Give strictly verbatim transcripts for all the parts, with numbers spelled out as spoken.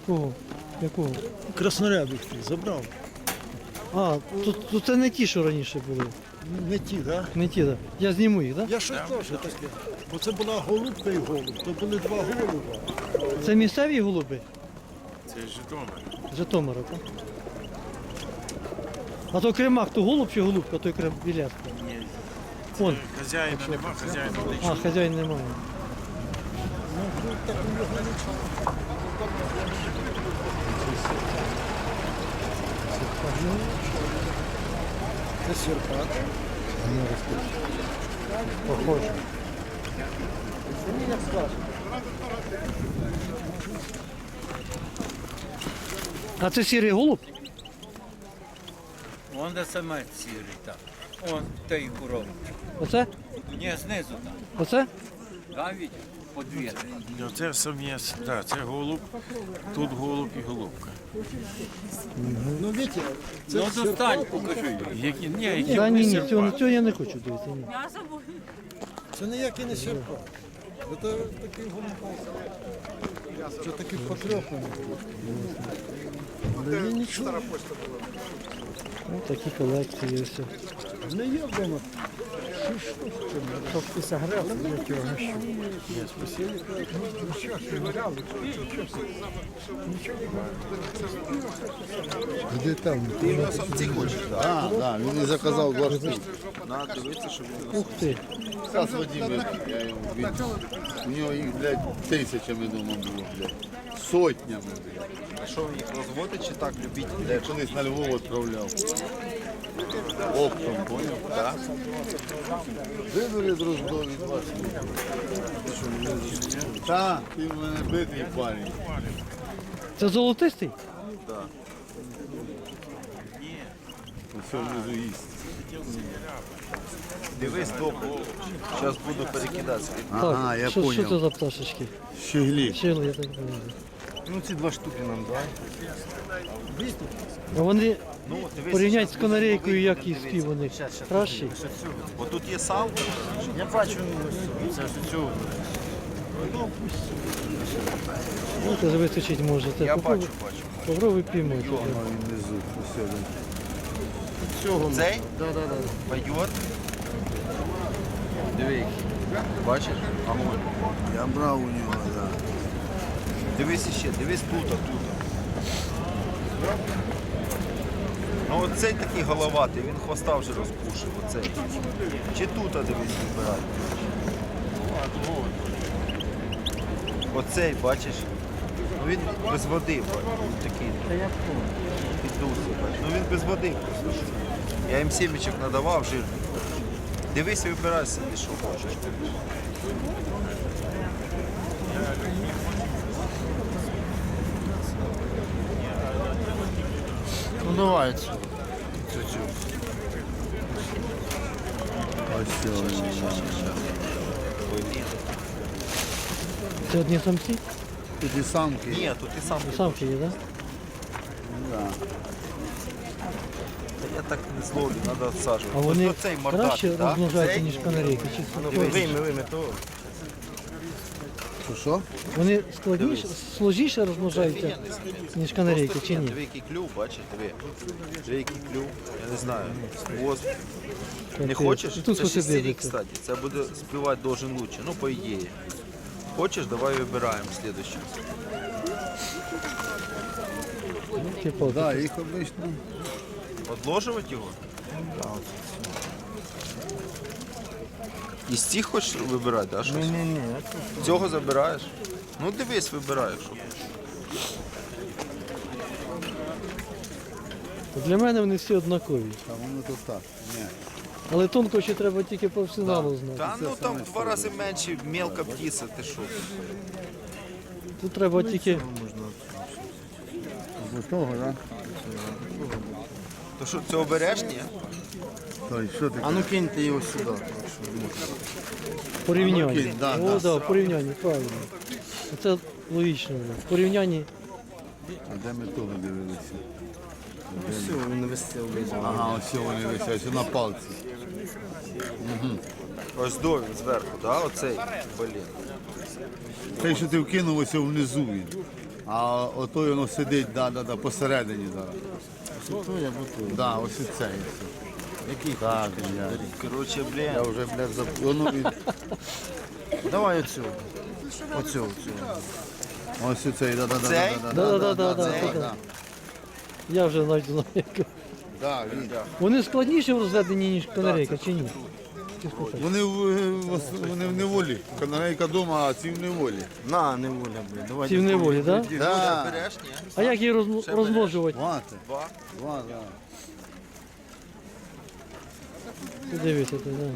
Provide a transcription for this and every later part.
Кого? Якого? Краснорябих ти забрав. А, то, то це не ті, що раніше були. Не ті, так? Да? Не ті, так. Я зніму їх, так? Я щось теж таке. Бо це була голубка і голуб, то були два голуба. Це місцеві голуби? Це Житомир. З Житомира, так? А то кремак, то голуб чи голубка, той крем біляска? Ні. Вон. Хазяїна нема, хазяїна А, лише. хазяїн немає. Це сірпат. Похоже. А це сірий голуб? Вон де самець сірий, так. Он той коробочок. Оце? Ні, знизу там. Оце? Там від подвір'я. Це самець, так, це голуб, тут голуб і голубка. Ну, Вітя, це Ну сірпат. достань, покажи. Які, ні, які Та ні, ні, вони цього, сірпа. цього я не хочу дивитися. Ні. Це ніякий не сірпат. Це такий голуб. Це такий потрьоханий. Не є нічого. Ну, такі колекції все. Не є вдома. Щоб ти саграв, я цього не щу. Де там? Ти на самці хочеш? Так, так, він і заказав два штуки. Надо дивитися, щоб він Ух ти. Стас Вадим, я його він. У нього їх, блядь, тисячами дома було, блядь. Сотнями, блядь. А що їх розводить чи так любіть? Я колись на Львов відправляв. Оптом, поняв? Так. Вибери дружбу від вас. Так, ти в мене битий парень. Це золотистий? Усе внизу їсть. Дивись добре. Зараз буду перекидатися. Ага, Так, я що, що це поняв. за пташечки? Щеглі. Щели, я так розумію. Ну ці два штуки нам дай. А вони Ну, дивись, порівнять з щас канарейкою, буде як видно, їсти дивись. вони Щас, щас, кращі. Бо тут є салка. Я бачу, це ж цю. Ну, це ж вистачить може. Це Я попробуй- бачу, бачу. Попробуй піймати. Внизу, усе, блядь. Цей? Да, да, да. Пойдет. Диви, який. Бачиш? Огонь. Я брав у нього, так. Дивись іще, дивись тут, тут. Ну оцей такий головатий, він хвоста вже розпушив, оцей. Чи тут, а дивись, вибирай. Оцей, бачиш? Ну він без води, бачиш, він такий. Піддувся, бачиш. Ну він без води просто. Я їм сімечок надавав жир. Дивись, вибирай собі, що хочеш. Ну давай цю. Цю-цю. Ось цього. Це одні самці? Тут і самки. Ні, тут і сам. Самки є, так? Да. Та я так не зловлю, треба відсаджувати. А вони Ось оцей мордатий, краще так? розмножаються, Цей? ніж канарейки? Чи Дивись. Вийми, вийми, то. Що, що? вони складніше, сложніше розмножаються, ніж канарейки, чи ні? Диви, який клюв, бачиш, диви. Диви, який клюв, я не знаю, хвост. Не Капець. хочеш? І тут Це хоч і шестирік, дивиться. кстати. Це буде співати должен лучше, ну, по ідеї. Хочеш, давай вибираємо слідуючу. Ну, типу, Да, їх обично. Одложувати його? Із цих хочеш вибирати, да, щось? Ні, ні. Цього забираєш? Ну дивись, вибираєш. що. Для мене вони всі однакові. А воно то так. Ні. Але тонко ще треба тільки професіоналу знати. Та ну там в два рази менше, мелка птиця, ти що? Тут треба тільки Ось того, так? То що, цього береш, ні? Той, що таке? А ну киньте його сюди. порівняння. окей, да, О, да. да, порівняння, правильно. Це логічно. Да. В порівнянні А де ми того дивилися? Все, він висів. Ага, ось вони висять, на палці. Ось до він зверху, да, оцей, блін. Те, що ти вкинув, ось внизу він. А отой воно сидить, да, да, да, посередині зараз. Той або той. Да, ось і цей. Який? Так, я, Коротше, я блін. вже, блядь, заб... Воно від... Давай оцю. Оцю, оцю. Ось і цей, да, да, да, Цей? да, Да, да, да, да, да, да, да, да. Я вже навіть знаю. як. да, він. Вони складніші в розведенні, ніж канарейка, чи ні? Вони, в- в- вони в неволі. Канарейка вдома, а ці в неволі. На, не воля, блін. Давай. Ці в неволі, так? Да? Да. Береш, ні? А як її розм- розмножувати? Мати. Два. Два, да. Ти дивися, ти, да.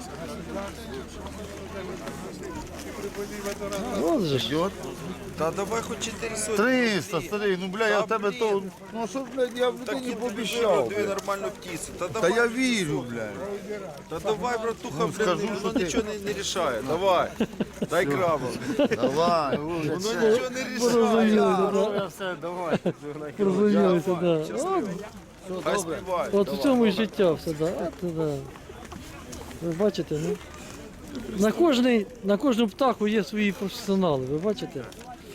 От же ж. Йот. Та давай хоч чотири сотні. триста, старий, ну бля, я в тебе блін. то. Ну що, блядь, я в Так людині і пообіцяв. дві блядь. нормальну птицю. Та Та давай, я вірю, блядь. та давай, братуха, Ну, блін, скажу, що воно ти- нічого не, не рішає. Давай. Дай краба. Давай. Воно нічого не рішає. Порозумілися, да. все, давай. Порозумілися, да. От, Хай співає. от в цьому і життя все, да. От, да. Ви бачите, ну? На кожний, на кожну птаху є свої професіонали, ви бачите?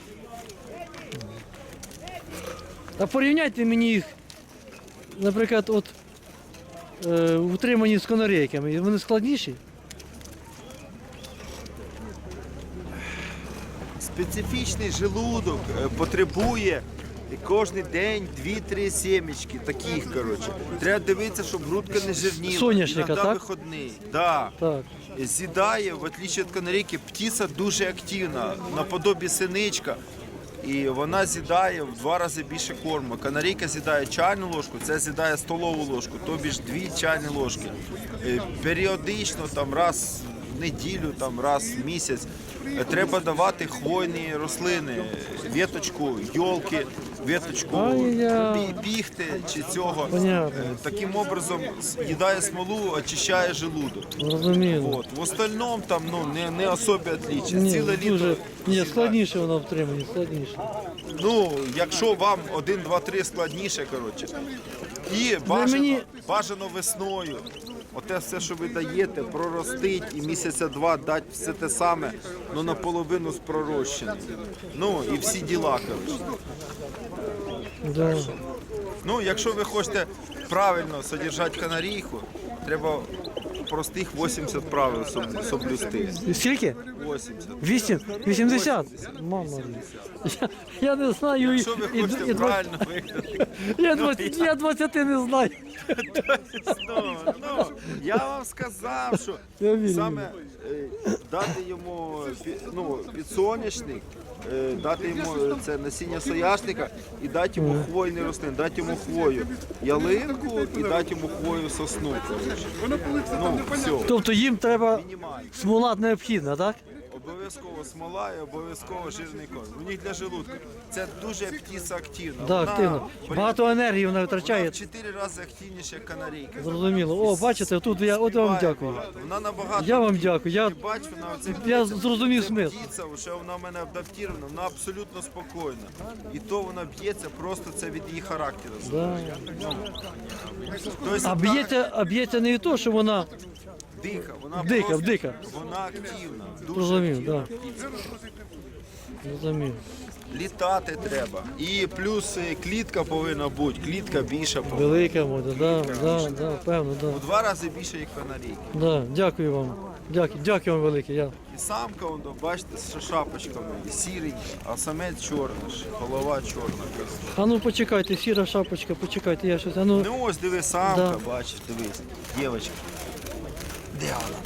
А порівняйте мені їх, наприклад, от е, утримані з канарейками. Вони складніші? Специфічний желудок е, потребує кожен день дві-три сімечки, таких, коротше. Треба дивитися, щоб грудка не жирніла. Соняшника, Іноді так? виходний. Да. Так. З'їдає, в отличие від канарейки, птиця дуже активна, наподобі синичка. І вона з'їдає в два рази більше корму. Канарейка з'їдає чайну ложку, це з'їдає столову ложку, тобі ж дві чайні ложки. Е, Періодично, там раз в неділю, там раз в місяць, е, треба давати хвойні рослини, віточку, йолки, віточку Ай-яй. пі- піхти чи цього. Понятно. Е, Таким образом з'їдає смолу, очищає желудок. Зрозуміло. Вот. В остальном там ну, не, не особо отличие. Ні, Ціле літо. дуже, ні, з'їдає. складніше вона втримані, складніше. Ну, якщо вам один, два, три складніше, коротше. І бажано, мені- бажано весною. Оте все, що ви даєте, проростить і місяця два дати все те саме, ну наполовину з пророщеним. Ну і всі діла, коротше. Да. Ну, якщо ви хочете правильно содержати канарійку, треба простих вісімдесят правил соб- соблюсти. Скільки? вісімдесят. Вісім? Вісімдесят? Мама. Я, я не знаю. і- Якщо ви і- хочете і два- правильно виглядати. я, двадцять, я двадцяти не знаю. Ну, ну, я вам сказав, що Я вірю. саме е, дати йому пі- ну, підсоняшник, е, дати йому е, це насіння сояшника і дати йому хвойний рослин, дати йому хвою ялинку і дати йому хвою сосну. коротше. Ну, все, Тобто їм треба мінімально. смола необхідна, так? Обов'язково смола і обов'язково жирний корм. У них для желудка. Це дуже птиця активна. Да, Вона, активно. блін, Багато енергії вона вона витрачає. в чотири рази активніша, як канарейка. Зрозуміло. О, бачите, тут я от вам дякую. Вона набагато. Я вам дякую. Я, Ти бач, вона оце я птиця, зрозумів це смисл. птиця, що вона в мене адаптована, вона абсолютно спокійна. І то вона б'ється просто це від її характеру. Да. Тобто, А б'ється, а б'ється не від того, що вона дика, вона Дика, просто, дика. вона активна, дуже Зрозумів, активна да. птиця. зрозумів. Літати треба. І плюс е, клітка повинна бути, клітка більша повинна. Велика мода, да, да, да, певно, да. У два рази більше, як канарейки. Да, дякую вам. Дякую, дякую вам велике. Я. І самка, он, бачите, з шапочками, і сірий, а самець чорний, ж, голова чорна. А ну почекайте, сіра шапочка, почекайте, я щось. А ну, Ну ось диви, самка, Да. бачиш, дивись, дівчинка. Де вона?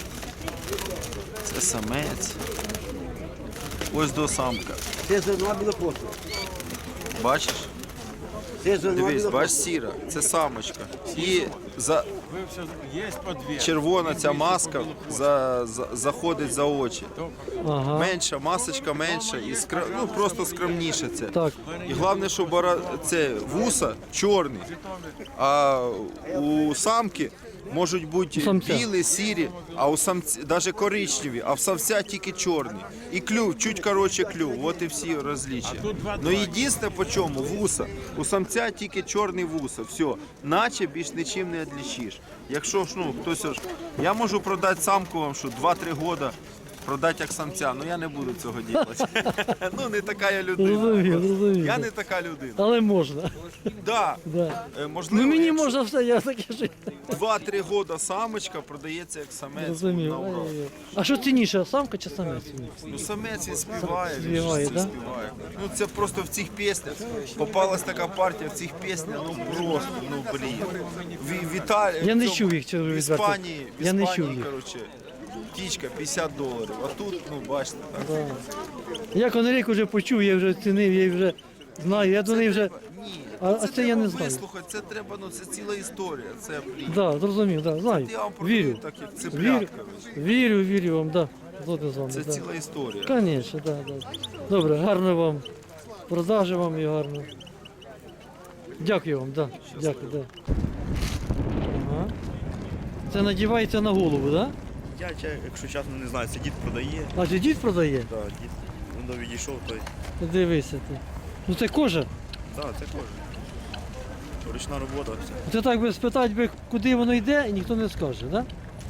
Це самець. Ось до самка. Це зерна білокоса. Бачиш? Це зерна Дивись, білокоса. бачиш, сіра, це самочка. І за Ви все є по дві. червона ця маска за, за, заходить за очі. ага. Менша, масочка менша і скр... ну, просто скромніше це. Так. І головне, що бара... це вуса чорні, а у самки можуть бути У самця. білі, сірі, а у самці навіть коричневі, а в самця тільки чорні. І клюв, чуть коротше клюв, от і всі розліччя. Ну єдине по чому вуса. У самця тільки чорний вуса, все. Наче більш нічим не відлічиш. Якщо ж ну хтось ж, я можу продати самку вам, що два-три роки продати як самця, ну я не буду цього робити. Ну не така я людина. Зрозумів, зрозумів. Я не така людина. Але можна. Да. Да. Е, Можливо, Ну мені якщо можна все, я таке ж. два-три роки самочка продається як самець Розумів. на урок. Ай-яй-яй. А що цінніше, самка чи самець? Ну самець він співає, він Співає, ж да? співає. Ну це просто в цих піснях. Попалась така партія в цих піснях, ну просто, ну блін. В, в Італії, Я не в цьому- чув їх, чого в ви відверто. Іспанії, в Я не Іспанії, чув їх. коротше, птічка п'ятдесят доларів, а тут, ну бачите, так. Да. Я конерейку вже почув, я вже оцінив, я її вже знаю, я до неї вже. Ні, А- а це я не треба знаю. вислухати, це треба, ну це ціла історія, це, блін. Да, зрозумів, да, знаю. Я вам продаю Вірю. так, як Вірю, цеплятка. вірю, вірю вам, да. Згоден з вами. Це да. ціла історія. Звісно, да, да. Добре, гарно вам. Продажі вам і гарно. Дякую вам, да. Дякую, да. Ага. Це надівається на голову, да? Я, ча- якщо чесно, не знаю, це дід продає. А чи дід продає? Да, дід ну, відійшов, той. Ти Дивися ти. Ну це кожа. Да, це кожен. Ручна робота, все. Це так би спитати би, куди воно йде, і ніхто не скаже, да?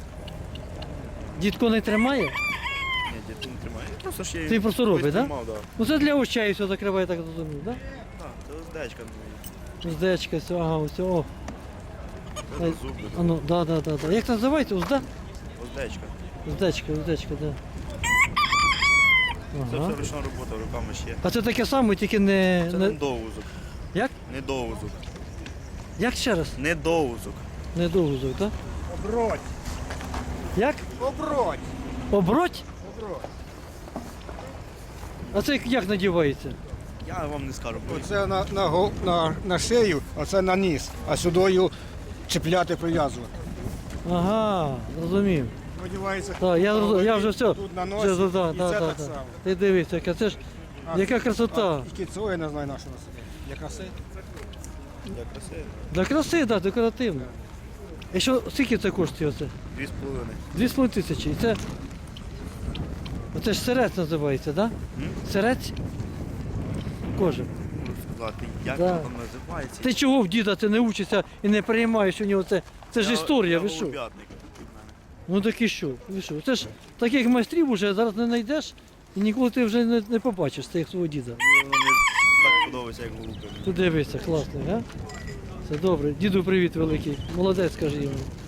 Дід коней тримає? Ні, дід не тримає. Просто ж я Ти просто колись робиш, да? тримав, да? Ну це для очей все закриває, так розумію, да? Так, це оздечка. ну, Уздечка, все, ага, ось, о. Це Ай, до зуб. А ну, да, да, да, да. Як це називається? Узда? Оздечка. Уздечка, уздечка, да. Це Ага. все ручна робота, руками ще. А це таке саме, тільки не. Це не... не довузок. Як? Не довузок. Як ще раз? Не довузок. Не довгузок, так? Оброть. Як? Оброть. Оброть? А це як надівається? Я вам не скажу, бо Оце на, на, го- на, на шию, а це на ніс. А сюдою чіпляти, прив'язувати. Ага, зрозумів. Одівається. Так, я, зроз- я вже все. Тут на Вже, носі, да, і да, це да, так да. само. Ти дивись, яка це ж. Яка красота. І кіцо, я не знаю, на що носити. Для краси. для краси. Для краси, так, да, декоративно. І що, скільки це коштує оце? Дві з половиною. Дві з половиною тисячі. І це. Оце ж сирець називається, так? Да? Сирець? Кожа. Можу сказати, як Да. воно там називається. Ти чого в діда ти не учишся і не приймаєш у нього це? Це ж Я- історія, я ви що? голуб'ятник від мене. Ну так і що? Ви що? Це ж таких майстрів уже зараз не знайдеш і ніколи ти вже не, не побачиш цих свого діда. Мені воно не так подобається, як голубка. Ти дивися, класний, а? Це добре. Діду привіт великий. Молодець, скажи йому.